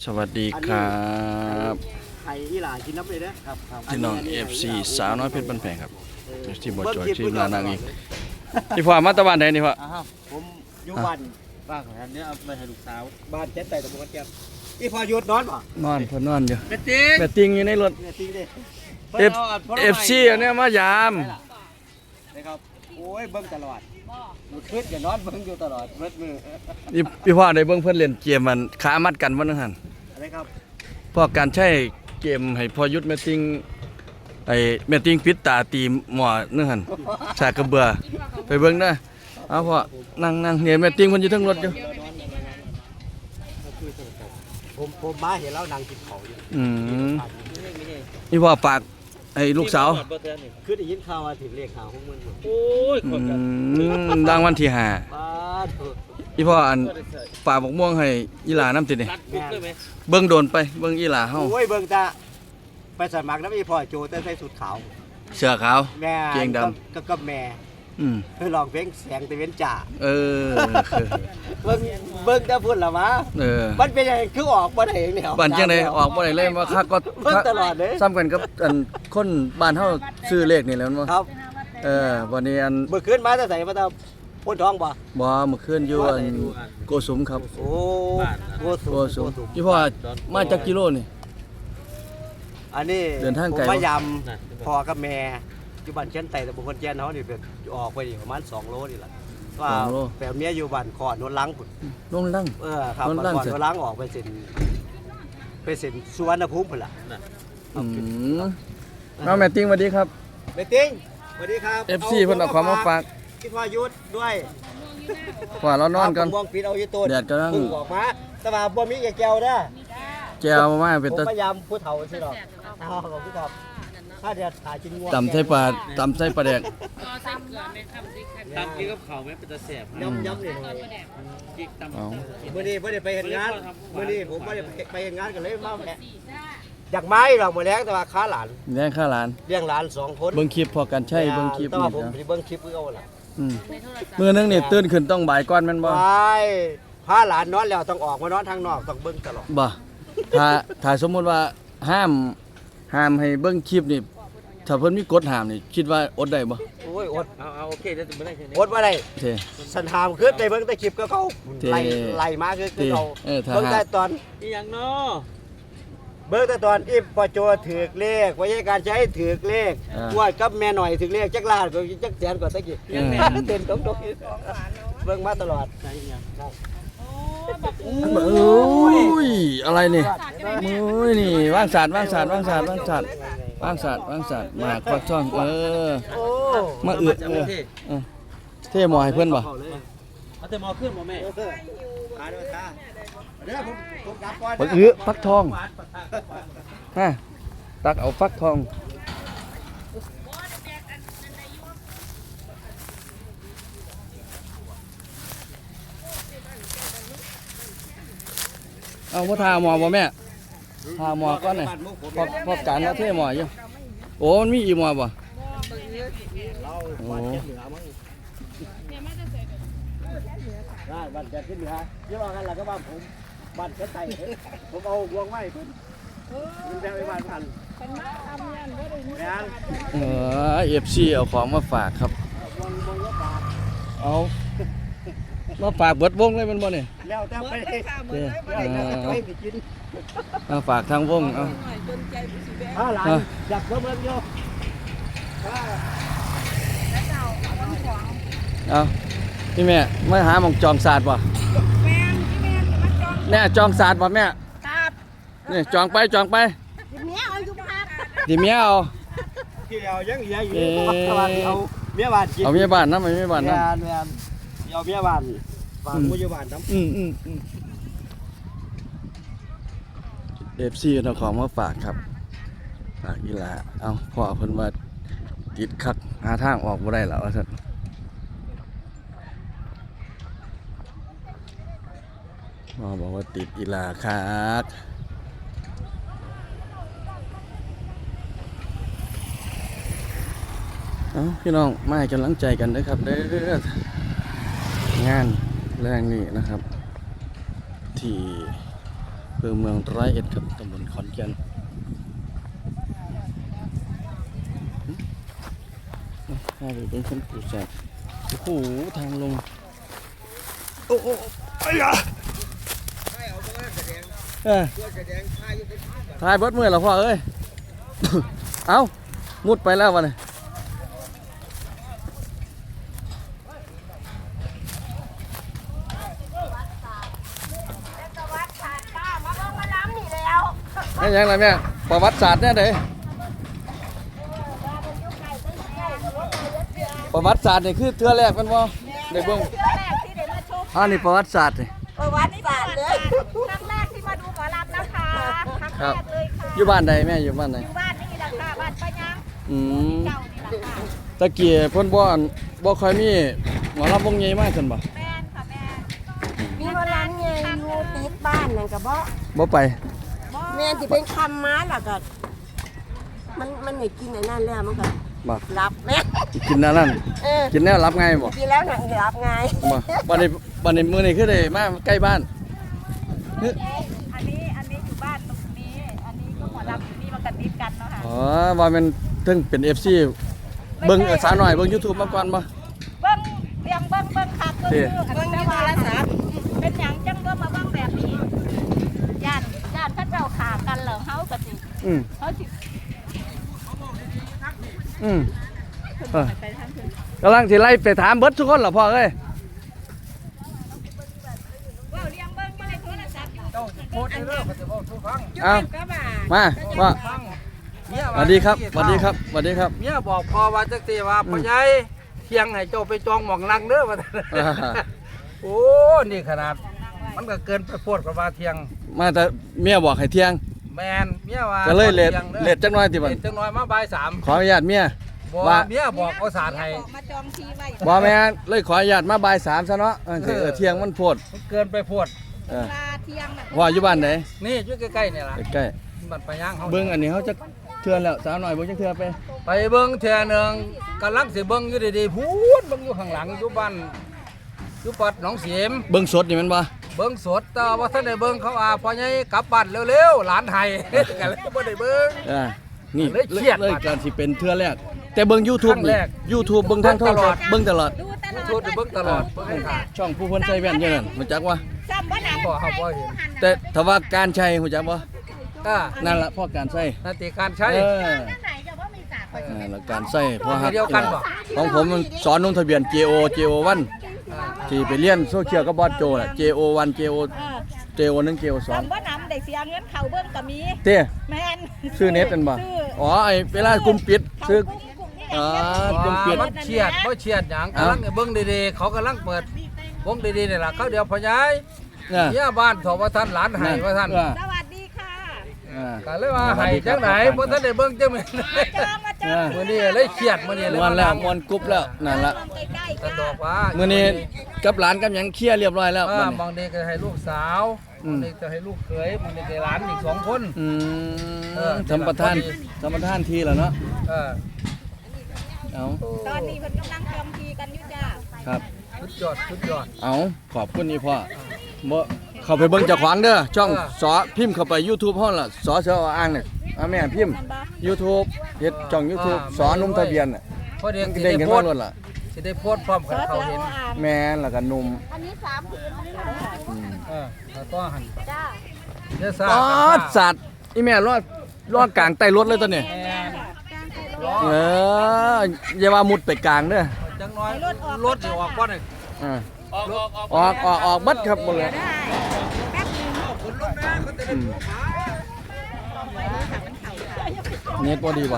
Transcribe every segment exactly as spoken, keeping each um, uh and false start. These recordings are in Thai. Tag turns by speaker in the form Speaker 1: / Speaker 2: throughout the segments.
Speaker 1: สวัสดีครับ
Speaker 2: ไข่อีหลากินน้ำเลยนะครับ
Speaker 1: พี่น้อง เอฟ ซี สาวน้อยเพชรบ้านแพงครับที่บ่จอยที่ลานางอีกที่พ่อมาตะวันไหนนี่พ่อ
Speaker 2: ผมอยู่บ้านบ้านของท่านเนี่ยเอาไปให้ลูกสาวบ้านเจ็ดไต่ตะบนแก้วอีพอหยุดนอนป่ะ
Speaker 1: นอนเพิ่นนอนอยู่
Speaker 2: แม่ติง
Speaker 1: แม่ติงอยู่ในรถ
Speaker 2: แม่ติงดิ
Speaker 1: F เอฟ ซี อันเนี้ยมายาม
Speaker 2: นะครับโอ้ยเบิ่งตลอดอยู่คืนอย่านอนเบิ่งอยู่ตลอดเบิดมือ
Speaker 1: นี่พี่พ่อได้เบิ่งเพิ่นเล่นเกมมันขามัดกันบ่นั่นหั่น
Speaker 2: อะไรครับ
Speaker 1: พ่อการใช้เกมให้พ่อยุทธแม่ติงไอ้แม่ติงปิดตาตีหมอนั่นหั่นสากกระเบือไปเบิ่งเด้อเอาพ่อนั่งๆเนี่ยแม่ติงเพิ่นอยู่เทิงรถอยู่
Speaker 2: ผมผมมาเห็นแล้วนางกินของอยู่
Speaker 1: อืมนี่พ่อฝากไอ้ลูกสาว
Speaker 2: คือได้ยินข่าวว่าถึงเลขข่าวของมัน
Speaker 3: โอ้ยคนกัน
Speaker 1: ดังวันที่ห้า
Speaker 2: ป้า
Speaker 1: อีพ่ออันฝากบักม่วงให้อีหลาน้ำติดนี่เบิ่งโดนไปเบิ่งอีหลาเฮา
Speaker 2: โอ้ยเบิ่งตาไปสมัครน้ำอีพ่อโจแต่ใส่สุดขาว
Speaker 1: เสื้อขาว
Speaker 2: แม่
Speaker 1: เกงดำ
Speaker 2: ก็กับแม่
Speaker 1: อืม
Speaker 2: คือลองเพลงแสงตะเวนจ่า
Speaker 1: เออ
Speaker 2: เบิ่งเบิ่งแต่พุ่นล่ะวะ
Speaker 1: เออ
Speaker 2: มันเป็นยังไงคือออกบ่ได้แนว
Speaker 1: บ้านจังได๋ออกบ่ได้เลยว่าคักก็
Speaker 2: เบิ่งตลอดเด้
Speaker 1: ซ้ำกันกับอันคนบ้านเฮาซื้อเลขนี่แหล้วบ่
Speaker 2: ครับ
Speaker 1: เออวันนี้อัน
Speaker 2: เมื่อคืนมาแต่ไสมาแต่พ้นท้องบ่
Speaker 1: บ่เมื่อคืนอยู่อันโกสุมครับ
Speaker 2: โอ้โกสุม
Speaker 1: โกสุมอีพ่อมาจากกิโลนี่
Speaker 2: อันนี้
Speaker 1: เดินทางไกล
Speaker 2: ผมพยายามพ่อกับแม่อยู่บ้านเชียนไต่ตะบนคนแก่นเฮานี่เป็นออกไปนี่ประมาณสองโลนี่ล่ะว่าแต่เมียอยู่บ้านขอนนลังพุ่น
Speaker 1: นนลัง
Speaker 2: เออครับบ้านขอนนลังออกไปเส้นไปเส้นสุวรรณภูมิพุ่นล่ะ
Speaker 1: อืมน้องแม่ติงสวัสดีครับ
Speaker 2: แม่ติงสวัสดีครับ
Speaker 1: เอฟ ซี เพิ่นเอาของมาฝาก
Speaker 2: คิดว่ายุดด้วย
Speaker 1: ว่าเรานอนกัน
Speaker 2: มองปิดเอาอยู่ต้น
Speaker 1: แดดกำลัง
Speaker 2: พึ่งออกมาแต่ว่าบ่มีแก้วเด้อ
Speaker 1: แก้วมาเป็นตะ
Speaker 2: ผมพยายามผู้เฒ่าสิดอกอ๋อขอบคุณครับถ้าเดี๋ยวถ่ายกินงัว
Speaker 1: ตำไส้ปลาตำไส้ปลาแดก
Speaker 3: ตำกินกับข้าวแม่เป็นตะแสบ
Speaker 2: ย้ำย้ำเลย
Speaker 3: กินตำ
Speaker 2: มื้อนี้บ่ได้ไปเฮ็ดงานมื้อนี้ผมบ่ได้ไปเฮ็ดงานกันเลยมาแหละอยากไม้ดอกมื้อแลงแต่ว่าค้าหลาน
Speaker 1: เลี้ยงข้าหลาน
Speaker 2: เลี้ยงหลานสองคน
Speaker 1: เบิ่งคลิปพอกันใช่เบิ่งคลิป
Speaker 2: นี่ผมเบิ่งคลิปคือเอาล่ะ
Speaker 1: อืมมื้อนึงนี่ตื่นขึ้นต้องบ่ายก่อนแม่นบ่
Speaker 2: ใช่พาหลานนอนแล้วต้องออกมานอนทางนอกต้องเบิ่งตลอด
Speaker 1: บ่ถ้าถ้าสมมุติว่าห้ามห้ามให้เบิ่งคลิปนี่ถ้าเพิ่นมีกฎห้ามนี่คิดว่าอดได้บ่
Speaker 2: โอ้ยอด
Speaker 3: เอาเอาโอเคเดี๋ยวบ่ได้แค่นี้
Speaker 2: อดบ่ได้
Speaker 1: โอเค
Speaker 2: สันหามคือได้เบิ่งแต่คลิปก็เขาไล่ไล่มาคือคือเขาเบิ่งแต่ตอน
Speaker 3: อีหยังเนาะ
Speaker 2: เบิ่งแต่ตอนอีปโจถือเลขวิธีการใช้ถือเลขงวดกับแม่หน่อยถือเลขจักล้านก็จักแสนกว่าตะกี้เต้นตรงๆเบิ่งมาตลอดใช่ยัง
Speaker 1: โอ้ยอะไรนี่โอ้ยนี่วางศาสตร์วางศาสตร์วางศาสตร์วางศาสตร์วางศาสตร์วางศาสตร์มาควักช่องเออมาอึดเออเท่หมอให้เพิ่นบ่
Speaker 3: เอาแต่หมอขึ้นบ่แม่
Speaker 2: ขาด้วยตาเดี๋ยวผมผมกลับก่อน
Speaker 1: บักอื้อฟักทองฮะตักเอาฟักทองเอาพ่อทาหมอบ่แม่ทาหมอก่อนน่ะพอพอการแล้วเท่หมออยู่โอ้มันมีอีหมอบ่โอ้
Speaker 2: ได้บัตรจะขึ้นเหนือเดี๋ยวรอกันล่ะก็ว่าผมบัตรจะไต่ผมเอาบวงไว้เพิ่นมันจะไปบ้านพัน
Speaker 1: เออ เอฟ ซี เอาของมาฝากครับเอามาฝากเบิดวงเลยมันบ่นี่
Speaker 2: แล้วแต่ไป
Speaker 1: มาฝากทางวงเอา
Speaker 2: ถ้าหลานอยากเพิ่มเงินโย
Speaker 1: เอาพี่แม่ไม่หาหม่องจองศาสตร์ป่ะแม่จองศาสตร์ป่ะแม่นี่จองไปจองไป
Speaker 4: เมียเอาอยู่ครับ
Speaker 1: ดิเมียเอา
Speaker 2: เกี่ยวยังเหลืออยู่เอาเมียบ้าน
Speaker 1: เอาเมียบ้านนะไม่เมียบ้านนะ
Speaker 2: เอาเมียบ้านฝากผู้อยู่บ้านน้ำ
Speaker 1: อืมอืมอืมเอฟซีเอาของมาฝากครับฝากอีหลาเอาพ่อเพิ่นว่าติดคักหาทางออกบ่ได้แล้วท่านพ่อบอกว่าติดอีหลาคักเอาพี่น้องมาให้กำลังใจกันด้วยครับเด้องานแรงนี่นะครับที่อเมืองร้อยเอ็ดครับตำบลขอนแก่นพาไปเบิ่งคนปูแสบโอ้โหทางลงโอ้โหไอ้ยาเออถ่ายเบิดมือแล้วพ่อเอ้ย เอ้ามุดไปแล้ววะเนี่ยนี่ยังไงแม่ประวัติศาสตร์เนี่ยเด้ประวัติศาสตร์นี่คือเทือแรกมันบ่ในเบื้อง
Speaker 4: เทื่อแรกที่ได้มาชม
Speaker 1: อ่านี่ประวัติศาสตร์นี่
Speaker 4: ประวัติศาสตร์เลยครั้งแรกที่มาดูหมอลำนะคะครั้งแรกเลยค่ะ
Speaker 1: อยู่บ้านใดแม่อยู่บ้านใด
Speaker 4: อยู่บ้านนี่แหละค่ะบ้านป้ายัง
Speaker 1: อืม
Speaker 4: เจ้านี่แหละค่ะ
Speaker 1: ตะเกียเพิ่นบ่อันบ่ค่อยมีหมอลำวงใหญ่มากซั่นบ่
Speaker 4: แม่นค่ะแม่น
Speaker 5: มีวันนั้นไงอยู่ติดบ้านนั่นก็บ่
Speaker 1: บ่ไป
Speaker 5: แม่นสิเป็นคำม้าล่ะก็มันมันไม่กินไอ้นั่นแล้วมันก็
Speaker 1: บ่
Speaker 5: รับแม่
Speaker 1: กินนั่นนั่น
Speaker 5: เออ
Speaker 1: กินแนวรับไงบ่
Speaker 5: กินแล้วนั่นรับไง
Speaker 1: บ่บัดนี้บัดนี้มื้อนี้คือได้มาใกล้บ้านฮึ
Speaker 4: อันนี้อันนี้อยู่บ้านตรงนี้ อันนี้ก็หมอลำอยู่นี่มันกันติดกันเนาะค่ะ
Speaker 1: อ๋อว่ามันถึงเป็น เอฟ ซี เบิ่งสาวน้อยเบิ่ง YouTube มาก่อนบ่
Speaker 4: เบิ้งเลี้ยงเบิ้งเบิ้งคักก็คืออัน
Speaker 5: เบิ่ง
Speaker 4: นี้
Speaker 5: ใน
Speaker 4: แต่
Speaker 5: โท
Speaker 4: ว่าร
Speaker 5: ศัพท์
Speaker 4: เป็นหยังจังก็มาเบิ้งแบบนี้ญาติญาติพระเจ้าขากันเหรอเฮาก็สิ
Speaker 1: อืม
Speaker 4: เฮาสิ
Speaker 1: อืมเออ
Speaker 4: ไปทางเพิ่น
Speaker 1: กำลังสิไล่ไปถามเบิดทุกคนเหรอพ่อเอ้ย
Speaker 4: ว้าวเลี้ยงเบิ้งอยู่ในโทรศัพท์อยู่
Speaker 2: โคตรเด้อเขาจะบอกทุกฟัง
Speaker 1: เอา
Speaker 5: ก็บ่า
Speaker 1: มาว่า
Speaker 2: ฟัง
Speaker 1: สวัสดีครับสวัสดีครับสวัสดีครับ
Speaker 2: เมียบอกพ่อว่าจักตีว่าพ่อใหญ่เที่ยงให้เจ้าไปจองหม่องนั่งเด้อว่า
Speaker 1: อ่า
Speaker 2: โอ้นี่ขนาดมันก็เกินไปโพดกับว่าเที่ยง
Speaker 1: มาแต่เมียบอกให้เที่ยง
Speaker 2: แมนเมียว่า
Speaker 1: ก็เลยเลท
Speaker 2: ที่ยงด้อ
Speaker 1: เลทจักหน่อยติบัด
Speaker 2: เลทจังน้อยมาบ่ายสาม
Speaker 1: ขออนุญาตเมีย
Speaker 2: บอก
Speaker 1: ว่า
Speaker 2: เมียบอกเอาสาดให้
Speaker 4: มาจองทีไว้
Speaker 1: บ่แม่นเลยขออนุญาตมาบ่ายสามซะเนาะเออสิเออเที่ยงมันโพด
Speaker 2: มันเกินไปโพด
Speaker 1: เออ
Speaker 4: ลาเที่ยงน่ะ
Speaker 1: ว่าอยู่บ้านไหน
Speaker 2: นี่อยู่ใกล้ๆนี่ล่ะ
Speaker 1: ใกล้
Speaker 2: บัดไปย่างเขา
Speaker 1: ๆเบิ่งอันนี้เขาจะเทื่อแล้วสาวน้อยเบิ่งจักเทื่อไป
Speaker 2: ไปเบิ่งเทื่อหนึงกำลังสิเบิ่งอยู่ดีๆพูดเบิ่งอยู่ข้างหลังอยู่บ้านอยู่ปัดหนองเสียม
Speaker 1: เบิ่งสดนี่แมันบ่
Speaker 2: เบิ่งสดแต่ว่าท่านได้เบิ่งเขาว่าพ่อใหญ่กลับบ้านเร็วๆหลานไห้ ก็เลยบ่ได้เบิ่ง
Speaker 1: อ่านี่
Speaker 2: เลยเครียด
Speaker 1: เลย
Speaker 2: บัด
Speaker 1: การสิเป็นเทื่อแรกแต่เบิ่ง YouTube
Speaker 2: ครั้ง
Speaker 1: นี่
Speaker 2: แรก
Speaker 1: YouTube เบิ่งทางโทรศัพท์เบิ่งตลอด
Speaker 4: ดูตลอด
Speaker 2: ทูดเบิ่งตลอดเบิ่งให้ขาด
Speaker 1: ช่องผู้คนใส่แว่นอยู่นั่นรู้จักว่า
Speaker 4: ซ้ำบ่นำ
Speaker 2: บ่เขาบ่เห็น
Speaker 1: แต่ถ้าว่าการใช้รู้จักบ่
Speaker 2: อ่า
Speaker 1: นั่นล่ะพ่อการใช้
Speaker 2: นาติการใช้
Speaker 1: เออ
Speaker 4: ไหนจะว่ามีสาก
Speaker 1: นั่นล่ะการใช้พ่อฮัก
Speaker 2: เดียวกันบ่
Speaker 1: ของผมมันสอนลงทะเบียน เจ โอ เจ โอ วัน ที่ไปเรียนโซเชียลกับบอสโจน่ะ เจ โอ วัน เจ โอ เจ โอ หนึ่ง เจ โอ สอง
Speaker 4: ซ้ำบ่นำได้เสียเงินเข้าเบิ่งก็มี
Speaker 1: เต้
Speaker 4: แม่น
Speaker 1: ซื้อเน็ตกันบ่
Speaker 4: ซื้อ
Speaker 1: อ๋อไอ้เวลากลุ่มปิดซื้อ
Speaker 4: อ๋
Speaker 1: อ๋
Speaker 4: อ
Speaker 1: อ กลุ่มปิด
Speaker 2: มันเฉียดบ่เฉียดหยัง
Speaker 1: เอ้า
Speaker 2: กำลังเบิ่งดีๆเขากำลังเปิดวงดีๆนี่ล่ะเขาเดี๋ยวพ่อใหญ่
Speaker 1: น่ะ
Speaker 2: เมียบ้านถอว่าท่านหลานไห้ว่าท่าน
Speaker 1: เออ
Speaker 4: สวัสดีค่ะ
Speaker 1: อ่า
Speaker 2: ก็เลยว่าไห้จังไหนบ่ทันได้เบิ่งจังแม่น
Speaker 4: มาจองมาจอง
Speaker 2: มื้อนี้เลยเครียดมื้อนี้เลย
Speaker 1: ม่วนแล้วม่วนกรุ๊บแล้วนั่นล่ะ
Speaker 4: ใกล้ๆ
Speaker 2: กระ
Speaker 4: ค่ะ
Speaker 2: ดอกว่า
Speaker 1: มื้อนี้กับหลานกับหยังเคลียร์เรียบร้อยแล้ว
Speaker 2: เอ
Speaker 1: บั
Speaker 2: อ
Speaker 1: ดนี้
Speaker 2: บางเด็กก็ให้ลูกสาว
Speaker 1: อืม
Speaker 2: บางเด็กจะให้ลูกเขยบางเด็กให้หลานอีกสองคน
Speaker 1: อื
Speaker 2: เอ
Speaker 1: ม
Speaker 2: อ
Speaker 1: ทำประทานทำประทานทีแล้วเนาะ
Speaker 2: เออ
Speaker 1: เอา
Speaker 4: ตอนนี้เพิ่นกำลังจองทีกันอยู่จ้า
Speaker 1: ครับ
Speaker 2: สุดยอดสุดยอด
Speaker 1: เอาขอบคุณนี่พ่อบ่เข้าไปเบิ่งเจ้าของเด้อช่อง
Speaker 2: เออ
Speaker 1: สอพิมพ์เข้าไป YouTube ฮ้อนล่ะสอเสืออ่างเนี่ยเอาแม่พิมพ์
Speaker 4: แม่นบ่
Speaker 1: YouTube เฮ็ดช่อง YouTube สอนุ่มทะเบียนน่ะ
Speaker 2: พอเด็ก
Speaker 1: มัน
Speaker 2: สิ
Speaker 1: เด้ง
Speaker 2: ได้
Speaker 1: กัน
Speaker 2: โพ
Speaker 1: มา
Speaker 2: สต์
Speaker 1: ล้วนล่ะ
Speaker 2: สิได้โพสต์พร้อม
Speaker 4: เสื
Speaker 2: กับ
Speaker 4: อ
Speaker 2: เขา
Speaker 4: เสือ
Speaker 2: เห็น
Speaker 4: อ่าง
Speaker 1: แม่นแล้วก็หนุ่ม
Speaker 4: อันนี้สามผืนนะคะ
Speaker 1: อืม
Speaker 2: เออแล้วก็หัน
Speaker 4: จ้า
Speaker 2: เดี๋ยวซ่า
Speaker 1: อ๋อ
Speaker 2: กันซ่า
Speaker 1: สัตว์อีแม่รอดรอดกลางใต้รถเลยตอนนี้
Speaker 4: แม่นค่ะ
Speaker 1: เอออย่าว่ามุดไปกลางเด้อ
Speaker 2: จังน้อยรถสิออกบ่นี่
Speaker 1: อ่า
Speaker 3: ออกออกออก
Speaker 1: ออกออกออกเบัดครับบ่เลย
Speaker 4: ได้แป๊บนึง
Speaker 2: คนลงนะเขาจะได้พวกหมา
Speaker 1: เน็ตบ่ดีป่ะ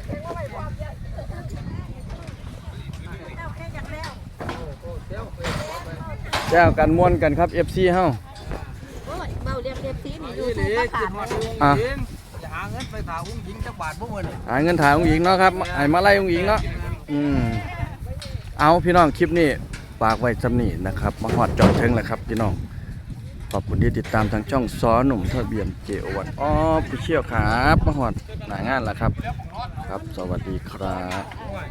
Speaker 1: แจ้วกันม่วนกันครับ เอฟ ซี เฮา
Speaker 5: โอ้ยเบาเรียกเรียกทีนี่อยู่
Speaker 2: นี่
Speaker 5: ที่
Speaker 2: ดิ
Speaker 5: ตะ
Speaker 2: คิ
Speaker 5: ขา
Speaker 2: ด
Speaker 5: ด
Speaker 2: ฮอดอุ้ง
Speaker 1: อ่ะ
Speaker 2: หญิงอย่าหาเงินไปถาอุ้งหญิงจักบาทพวกมื้อนี่
Speaker 1: หาเงินถ่ายองค์หญิงเนาะครับให้มาไล่องค์หญิงเนาะอืมเอาพี่น้องคลิปนี้ฝากไว้สำนี้นะครับ มาฮอดจอดถึงแล้วครับพี่น้องขอบคุณที่ติดตามทางช่องซอหนุ่มทะเบียน เจ โอ วัน ออฟฟิเชียลครับมาฮอดหน้างานแล้วครับ ครับ สวัสดีครับ